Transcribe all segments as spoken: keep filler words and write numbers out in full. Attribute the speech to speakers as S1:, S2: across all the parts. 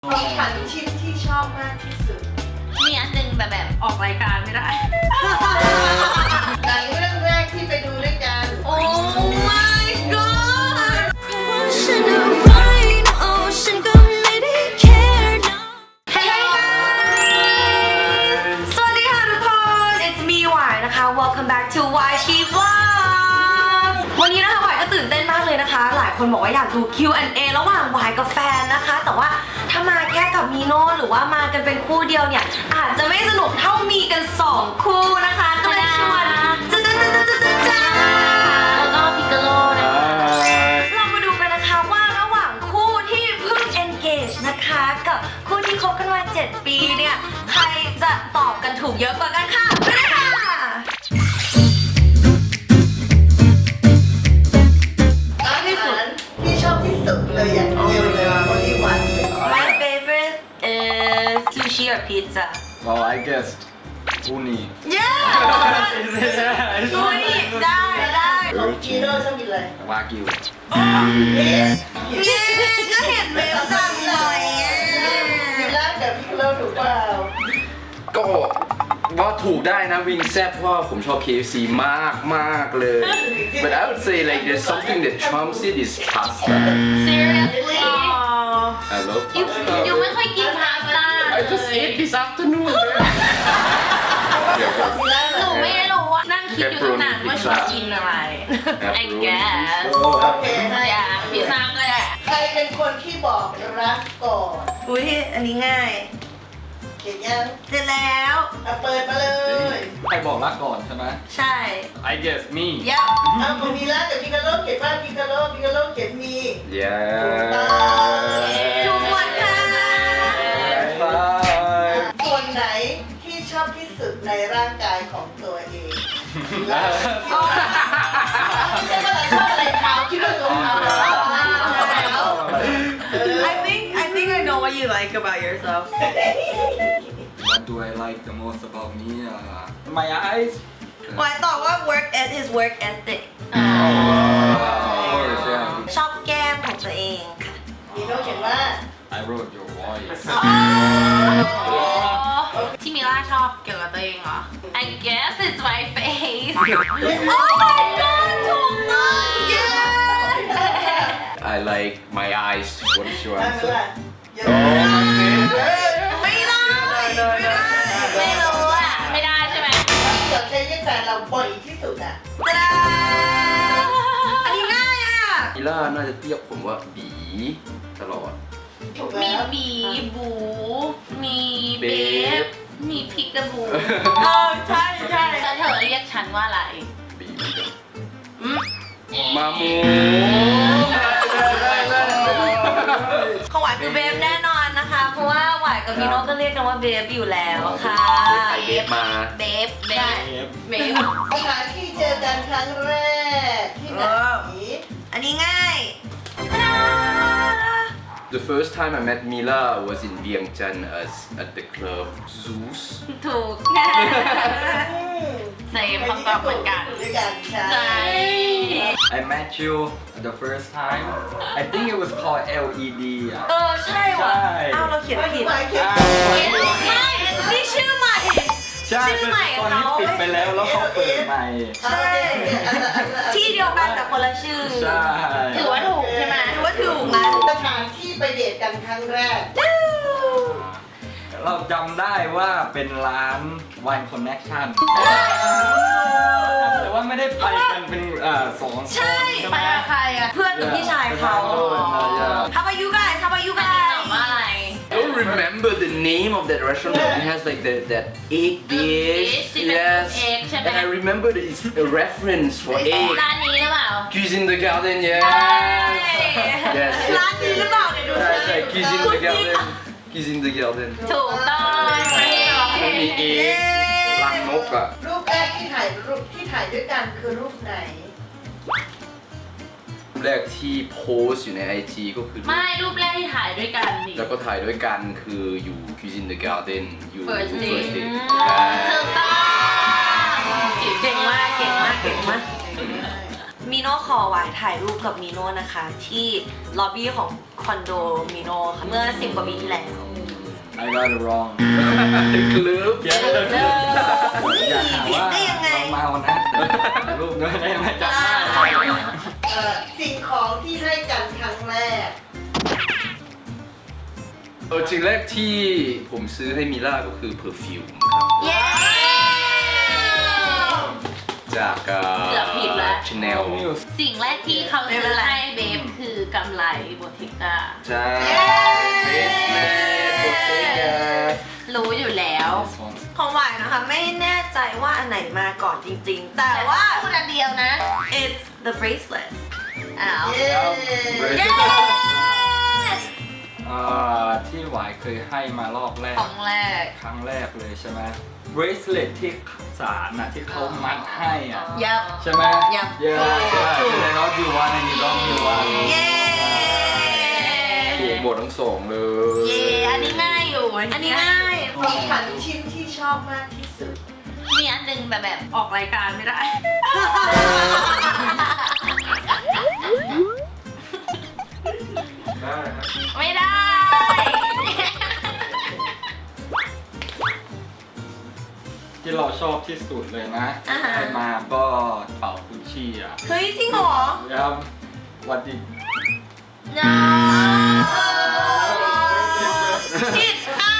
S1: ของขวัญชิ้นที่ชอบมากที่สุด
S2: มีอันหนึงแต่แบบออกรายการไม่ได้
S1: หนังเรื่องแรกที่ไปดูด้วยกัน
S2: โอ้ my god
S3: ฉันอะไรนะโอ้ฉันก็ไม่ได้ care นะ
S2: Hello guys สวัสดีค่ะทุกคน it's me หวายนะคะ welcome back to หวายชี vlog วันนี้นะคะหวายก็ตื่นเต้นมากเลยนะคะ หลายคนบอกว่าอยากดู คิว แอนด์ เอ ระหว่างหวายกับแฟนนะคะ แต่ว่าถ้ามาแค่กับมีโน่หรือว่ามากันเป็นคู่เดียวเนี่ยอาจจะไม่สนุกเท่ามีกันสองคู่นะคะก็เลยชวนจ้าจ้าจ้าจ้าจ้าจ้าแล้วก็พิกาโลนะคะเรามาดูกันนะคะว่าระหว่างคู่ที่เพิ่ง engage นะคะกับคู่ที่คบกันมาเจ็ดปีเนี่ยใครจะตอบกันถูกเยอะกว่ากันค่ะไปเลยค่ะ
S1: อาหารที่ชอบที่สุดเลยอย่างเดียวเลยวันนี้วันเลย
S2: My favorite is sushi or pizza
S4: Well, I guessed uni.
S2: yeah ดูนี่ได้ได้
S1: ของจีโร่ชอบกินอะไร
S4: Wagyu.
S1: เย้
S2: เย้ก็เห็นเว็บดังหน่อยอ่ะ
S1: มีร้านกับพี่โลถูกเปล่า
S4: ก็ว่าถูกได้นะวิงแซ่บเพราะว่าผมชอบ เค เอฟ ซี มากมากเลย But I would say like there's something that trumps it is pasta.
S2: seriously
S4: I love
S2: ยู
S4: pasta.
S2: ยูไม่ค่อยกินพาสต้า
S4: I just ate this afternoon.
S1: มีร้านอะ
S2: หนู
S1: ไร
S2: ไม่รู้ว่านั่งคิดอยู่ตั้งนานว่าชอบกินอะไร I guess
S1: โอเคให้
S2: อย่าพิซซ่าก็ได้
S1: ใครเป็นคนที่บอกรักก่อน
S2: อุ้ยอันนี้ง่าย
S1: เขียนยัง
S2: เสร็จแล้ว
S1: เอาเปิดมาเลย
S4: ใครบอกรักก่อนใช่ไหม
S2: ใช่
S4: I guess me.
S2: ยับ
S1: เอาของมีร้านกับพิกาโลเขียนว่าพิกาโลพิกาโลเขียนมี
S4: Yeah.
S2: ถูกหมดค่ะ
S4: Bye.
S1: ส่วนไหนที่ชอบที่สุดในร่างกายของตัวเองไม่ใช่ว่าเราชอบอะไรเท้าคิดว่าตัวเท้า
S2: I think I think I know what you like about yourself
S4: What do I like the most about me? Uh, my eyes.
S2: วายตอบว่า work at his work ethic
S4: Of course, yeah.
S2: ชอบแก้มของตัวเองค่ะ
S1: มีโน้ตเขียนว่า
S4: I wrote your voice.
S2: ที่มิล่าชอบเกี่ยวกับตัวเองเหรอ I guess it's my face Oh my god ถูกต้อง yeah
S4: I like my eyes. What is your
S1: ได้ไหม
S4: answer?
S1: ล่ะเยอะ
S2: ไม่ได้ ไม่รู้อ่ะ ไม่ได้ใช่ไหม
S1: ที่เราใช้เรียกแฟนเราบ่อยที่สุดอ่ะ
S2: ตะดาอันนี้ง่ายอ่ะ
S4: อีล่าน่าจะเรียกผมว่าบีตลอด
S1: ถูก
S2: มี
S1: แล้ว
S2: บีบู มีเบ
S4: เบ
S2: ฟ
S4: ฟ
S2: มีพิกกาบูเออใช่ใช่แล้วเธอเรียกฉันว่าอะไร
S4: บีเหมือนกัน
S2: อืม
S4: มามู
S2: ของหวายคือเบฟแน่นอนนะคะ เพราะว่าหวายกับพี่โน้ตก็เรียกกันว่าเบฟอยู่แล้วค่ะ
S4: ไอเบฟมา
S2: เบฟเบฟเบฟ
S1: สถานที่เจอกันครั้งแรกที่ไหน
S2: อันนี้ง่าย
S4: The first time I met Mila was in Vientiane as at the club Zeus
S2: ถูกใส่คำตอบเหมือนกัน
S1: ด้วยกันใช่
S2: ใช่
S5: I met you the first time. I think it was called แอล อี ดี อ่ะ
S2: เออ ใช่ว่ะ
S5: ใช่
S2: เอ้าเราเขียนผิด
S1: หมายเขียน
S2: ไม่นี่ชื่อใหม่
S5: ใช่
S2: ชื่อ
S5: เป็น
S2: ใหม่
S5: ตอน
S2: เขา
S5: นี้ปิดไปแล้วแล้วเขาเปิดใหม่
S1: ใช่
S2: ที่เดียวกันแต่คนละชื่อ
S5: ใช่
S2: ถือว่าถูกใช่ไหมถือว่าถูกนะ
S1: สถานที่ไปเดทกันครั้งแรก
S5: เราจำได้ว่าเป็นร้าน Wine Connection แต่ว่าไม่ได้ไปกันเป็นเอ่อสองคน
S2: ใช่
S5: ใช่
S2: ไป
S5: ไหม
S2: กับใครอ่ะ เพื่อนกับพี่ชายเขา How about you guys How about you guys ตอบว่าอะไร
S4: I don't remember the name of that restaurant but it has like the, that egg dish
S2: dish ที่เป็น
S4: yes
S2: egg ใช่ไหม
S4: and I remember that it's a reference for egg
S2: ร้านนี้หรือเปล่า
S4: Cuisine the Garden yes yes
S2: ร้านนี้หรือเปล่าเนี่ยดู
S4: ใช่
S2: สิ
S4: ใช่ Cuisine the Garden Cuisine the Garden
S2: ถูกต้อง
S4: มันมีเอ็กรังนกอะ
S1: รูปแรกที่ถ่ายรูปที่ถ่ายด้วยกันคือรูปไหน
S4: แรกที่โพสต์อยู่ใน ไอ จี ก็คือรูป
S2: ไม่รูปแรกที่ถ่ายด้วยกันดิ
S4: แล้วก็ถ่ายด้วยกันคืออยู่ Cuisine the Garden อยู่
S2: First date
S4: First date
S2: ถูกต้องเก่งมากเก่งมากเก่งมาก
S1: ม
S2: มิโน่ขอหวายถ่ายรูปกับมิโน่นะคะ ที่ล็อบบี้ของคอนโดมิโน่ค่ะเมื่อสิบกว่าปีที่แล้ว
S5: I got it wrong
S4: คลืบ
S5: อย่าอย่าหาว่า
S2: ได้ยังไง
S5: เราเมานะถ่ายรูปด้วยได้ไหมจำได้
S1: เอ่อสิ่งของที่ให้กันครั้งแรก
S4: เออจริงแรกที่ผมซื้อให้มิล่าก็คือเพอร์ฟิวมครับ
S2: เย้
S4: จาก
S6: เกือบผิดแล้ว
S4: ชาแนล
S6: สิ่งแรกที่เขาซื้อให้เบฟคือกำไรโบติก้า
S4: ใช่เบสเมดโบเตกา
S6: รู้อยู่แล้ว
S2: ของหวายนะคะไม่แน่ใจว่าอันไหนมาก่อนจริงๆ แต่ว่า
S6: พูดอันเดียวนะ
S2: it's the bracelet
S6: อ้าว
S1: เย้
S2: yes
S5: อ่าที่หวายเคยให้มารอบแรก
S6: ของแรก
S5: ครั้งแรกเลยใช่ไหม bracelet ที่สารนะที่เขามัดให้อ่ะ
S2: ยับ
S5: ใช่ไหม
S2: Yep
S5: เย้เลยน้องยูวันอันนี้น้องยูวัน
S2: เย้
S4: ถูกหมดทั้งสองเลย
S6: เย่อันนี้ง่ายอยู่
S2: อันนี้ง่าย
S1: ของขวัญชิ้นที่ชอบมากที่สุด
S6: มีอันหนึงแต่แบบออกรายการไม่ได้ ไม่ได้
S5: ที่เราชอบที่สุดเลยนะ
S2: อ่าฮะ
S5: ได้มาก็เป่ากุชชี่อ่ะ
S2: เฮ้ยจริงเหรอ
S5: แล้ววันดี
S6: no
S2: ผิดค่ะ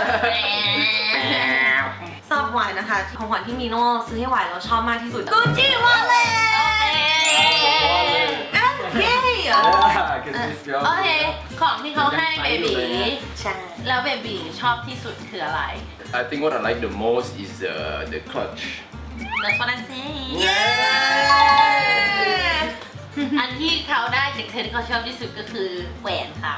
S2: สำหรับหวายนะคะ ของขวัญที่มิโน่ซื้อให้หวายเราชอบมากที่สุดกูจิวอลเล่เย้
S6: โอเค ของที่เขาให้เบบี
S2: ใช่
S6: แล้วเบบีชอบที่สุดคืออะไร
S4: I think what I like the most is the the clutch
S6: That's what I'm saying
S2: เย้
S6: อันที่เขาได้จากเธอที่เขาชอบที่สุดก็คือแหวนเขา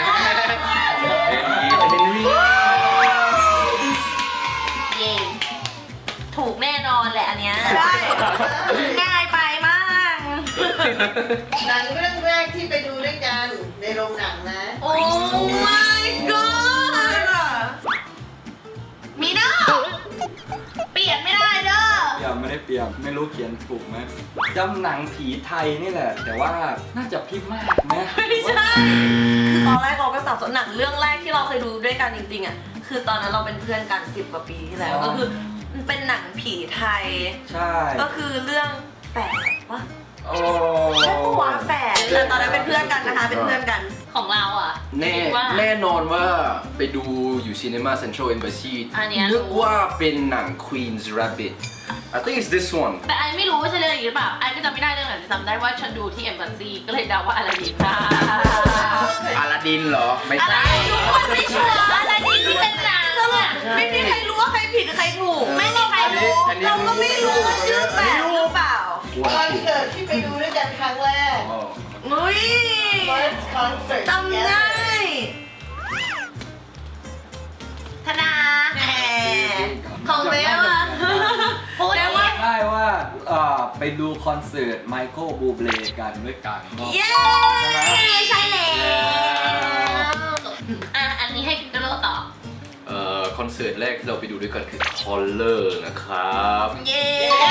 S6: เย่ถูกแน่นอนแหละอันเนี้ย
S2: ได้ ง่ายไปมาก
S1: หนังเรื่องแรกที่ไปดูด้วยกันในโรงหนังนะ
S2: โอ้ my god
S6: มีเนาะเปลี่ยนไม่ได้เด้อ
S5: เปลี่ยนไม่ได้เปลี่ยนไม่รู้เขียนถูกไหมจำหนังผีไทยนี่แหละ แต่ว่าน่าจะพี่มากนะ
S2: ไม่ใช่ คือตอนแรกเราก็สับสนหนังเรื่องแรกที่เราเคยดูด้วยกันจริงๆอ่ะ คือตอนนั้นเราเป็นเพื่อนกันสิบกว่าปีที่แล้ว ก็คือมันเป็นหนังผีไทย
S5: ใช่
S2: ก็คือเรื่องแฝดวะ
S4: โอ้
S2: ใช่ปะวะแฝดแต่ตอนนั้นเป็นเพื่อนกันนะคะ เป็นเพื่อนกัน
S6: ของเราอ่ะ
S4: แน่
S6: คิดว่า
S4: แน่นอนว่าไปดูอยู่ Cinema Central Embassy
S6: อันเนี้ย
S4: นึกว่าเป็นหนัง Queen's Rabbit I think it's this one
S6: แต่ไอไม่รู้ว่าใช่เรื่องนี้หรือเปล่าไอก็จำไม่ได้เรื่องไหนแต่จำได้ว่าฉันดูที่เอ็มบัสซีก็เลยเดาว่าอะไรดีนะ
S4: อาลาดินเหรอ ไม่
S6: อะไร
S4: ใช่
S6: ทุกคนไม่ชัวร์อะไรดีที่เป็นหนังอะ
S2: ไม่มีใครรู้ว่าใครผิดหรือใครถูก
S6: ไม่มีใครรู้
S4: อันนี้
S2: เราก็ไม่รู้ว่าชื่อแฝดหรือเปล่า
S1: คอนเสิร์ตที่ไปดูด้วยกันครั้งแรก
S5: อ๋อ
S2: อุ้ย
S1: First concert
S2: จำได้
S6: ธนา
S2: แหมของเบลอะ
S6: พูด
S2: แปลว่า
S5: ได้ว่าเอ่อไปดูคอนเสิร์ตไมเคิลบูเบลกันด้วยกันเนาะ
S2: เย้ใช่แล้ว
S6: อ่ะอันนี้ให้พิกโกโลต่อ
S4: เอ่อคอนเสิร์ตแรกที่เราไปดูด้วยกันคือ Color นะครับ
S2: เย้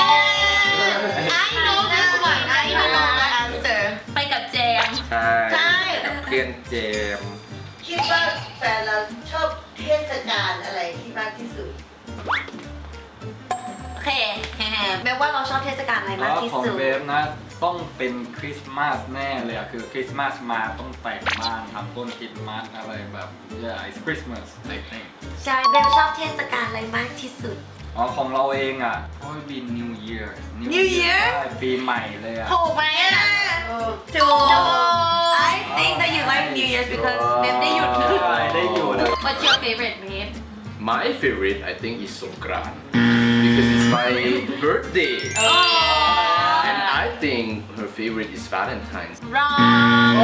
S6: I know this one I know
S2: answer
S6: ไปกับเจมส์
S4: ใช่
S2: ใช่
S4: เพื่อนเจมส์
S1: คิดว่าแฟนเราชอบเทศกาลอะไรที่มากที่สุด
S2: โอเคแม้ว่าเราชอบเทศกาลอะไรมากที่
S5: ของ
S2: สุด
S5: เบฟนะต้องเป็นคริสต์มาสแน่เลยอะคือคริสต์มาสมาต้องแต่งบ้านทำต้นคริสต์มาสอะไรแบบ yeah it's Christmas I think
S2: ใช่เบลชอบเทศกาลอะไรมากที่สุด
S5: อ๋อของเราเองอ่ะก็บิน New Year
S2: New Year
S5: ใช่ปีใหม่เลยอ่ะ
S6: ถูกไหมอ่ะ
S2: ถูก I think that you like New Year's because เบลได้หยุด
S5: ใช่ได้อยู่นะ
S6: What's your favorite babe
S4: My favorite I think is Songkran because it's my birthday and I think her favorite is Valentine's
S6: wrong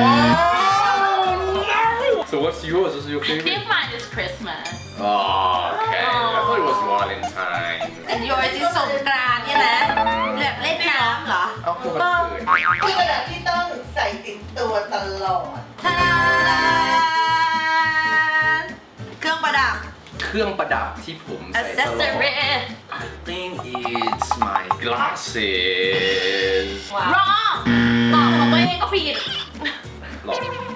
S4: So what's yours? What's your
S6: I
S4: favorite?
S6: think mine is Christmas
S4: Oh, okay. I thought it was Valentine.
S2: and yours is สงกรานต์เนี่ยนะแบบเล่นน้ำเหรอ
S4: เอาพวกมันเกิด
S1: คือระดับที่ต้องใส่ติดตัวตลอด
S2: ทาดาเครื่องประดับ
S4: เคเครื่องประดับที่ผมใส่ตลอด
S2: accessory
S4: I think it's my glasses
S6: รอตอบของตัวเองก็ผิด
S4: หรอ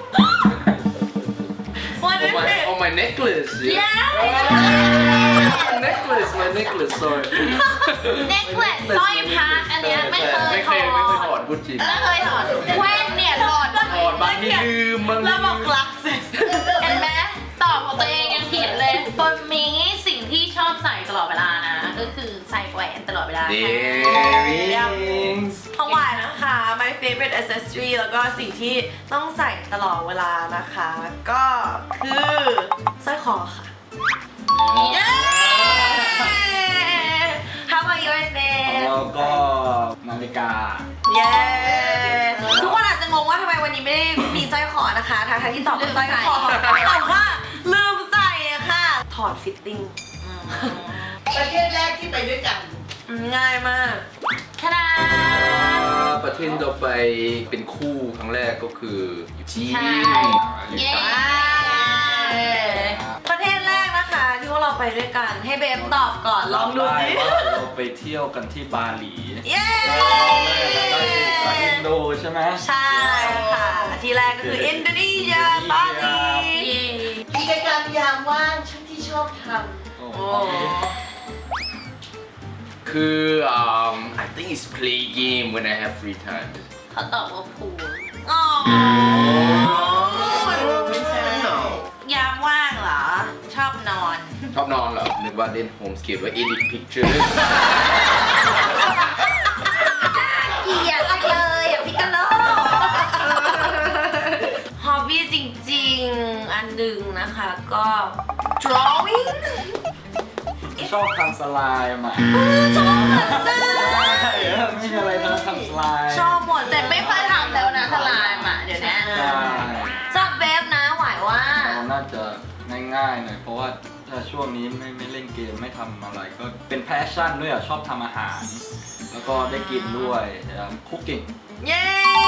S2: What
S4: Oh
S2: is
S4: my,
S2: it
S4: oh my necklace
S6: Yeah
S4: my necklace my necklace sorry
S6: necklace สร้อยพระอันเนี้ยไม่เคย
S4: ไม่
S6: ถ
S4: เค
S6: อย ด
S4: ไม่เคยถอดพูดจริง
S6: ไม่เคยถอดแว่นเนี่ยถอด
S4: ถอดบางทีลืมบางที
S2: แล้วบอก
S4: ลืม
S2: glasses
S6: เห็นไหมตอบของตัวเองยังผิดเลยตัวมีสิ่งที่ชอบใส่ตลอดเวลานะ ก็คือใส่แหวนตลอดเวลา
S4: Earrings
S2: ของหวานนะคะ my favorite accessory แล้วก็สิ่งที่ต้องใส่ตลอดเวลานะคะ ก็คือสร้อยคอค่ะ เย้ How about yours
S5: ของ
S2: babe
S5: เราก็นาฬิกา
S2: เย้ ทุกคนอาจจะงงว่าทำไมวันนี้ไม่ได้มีสร้อยคอนะคะทางที่ตอบเป็นสร้อยคอแต่ว่าลืมใส่อะค่ะ ถอดฟิตติ้ง
S1: ประเทศแรกที่ไปด้วยกัน
S2: อืมง่ายมาก
S6: ทะดา
S4: ประเทศที่เราไปเป็นคู่ครั้งแรกก็คือจีน
S6: ใช่ เย้
S2: ประเทศแรกนะคะที่ว่าเราไปด้วยกันให้เบฟตอบก่อนลองดูสิ
S5: ว่าเราไปเที่ยวกันที่บาหลี
S2: เย้
S5: ได้สิกับอินโดใช่ไหม
S2: ใช่ค่ะ ที่แรกก็คืออินโดนีเซียบาหลี
S6: เย้
S1: กิจกรรมยามว่างช่วงที่ชอบท
S5: โอ้
S2: โอ้
S4: คือ um I think it's play game when I have free time
S6: เขาตอบว่าพูล
S2: อ๋อ
S1: ไม่ใช่
S4: No
S2: ยามว่างเหรอ ชอบนอน
S4: ชอบนอนเหรอ นึกว่าเล่นโฮมสเกตว่า edit picture
S2: เกลียดเลยอ่ะพี่กะโลฮอบบี้จริงๆ อันหนึ่งนะคะก็ drawing
S5: ชอบทำสไลม์อ่ะ
S2: ชอบเหมือนกัน
S5: ใช่ไม่มีอะไรทำทำสไลม์
S2: ชอบหมดแต่
S6: แต่
S2: ไม่
S6: ไม่
S2: ค่
S6: ค่
S2: อ
S6: อย ย
S2: ทำ
S6: ทำแล้วนะสลายอ่ะเดี๋ยวนี้
S5: ใช่
S2: ชอบเบฟนะหวายว่า
S5: เราน่าจะง่ายๆหน่อยเพราะว่าถ้าช่วงนี้ไม่ไม่เล่นเกมไม่ทำอะไรก็เป็นแพชชั่นด้วยอ่ะชอบทำอาหาร แล้วก็ได้กินด้วยคุกกิ้ง
S2: เย้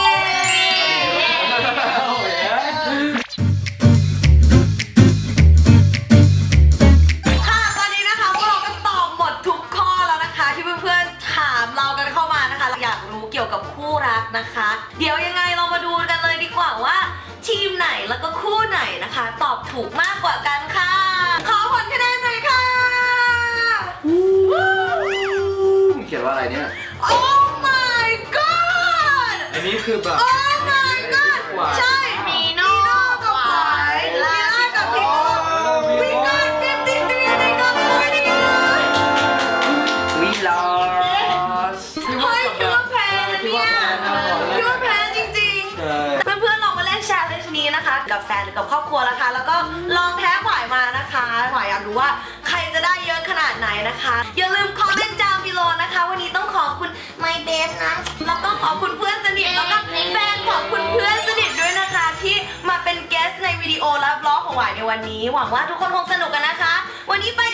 S2: ค่ะตอนนี้นะคะพวกเราก็ตอบหมดทุกข้อแล้วนะคะ ที่เพื่อนๆถามเรากันเข้ามานะคะอยากรู้เกี่ยวกับคู่รักนะคะ เดี๋ยวยังไงเรามาดูกันเลยดีกว่าว่า ทีมไหนแล้วก็คู่ไหนนะคะ ตอบถูกมากกว่ากันค่ะ ขอผลคะแนนหน่อยค่ะ
S4: เขียนว่าอะไรเนี่ย
S2: Oh my god
S5: อันนี้คือแบบ
S2: Oh my god ใช่
S6: มีโน่
S2: กับหวายมีล่ากับพี่วิกอนฟิฟตี้ทรีในกับคุยดีเลย
S4: We lost
S2: เฮ้ยคิดว่าแพ้นะเนี่ยคิดว่าแพ้จริงๆ
S5: ใช่
S2: เพื่อนๆลองมาเล่นแชร์เลนจ์นี้นะคะ กับแฟนหรือกับครอบครัวนะคะ แล้วก็ลองแพ้หวายมานะคะหวายอยากรู้ว่าใครจะได้เยอะขนาดไหนนะคะ อย่าลืมคอมเมนต์จามบิโลนะคะ วันนี้ต้องขอบคุณไมเบฟนะ แล้วก็ขอบคุณเพื่อนสนิทแล้วก็แฟนของคุณเพื่อนสนิทด้วยนะคะ ที่มาเป็นเกสในวิดีโอและบล็อกของหวายในวันนี้ หวังว่าทุกคนคงสนุกกันนะคะ วันนี้ไป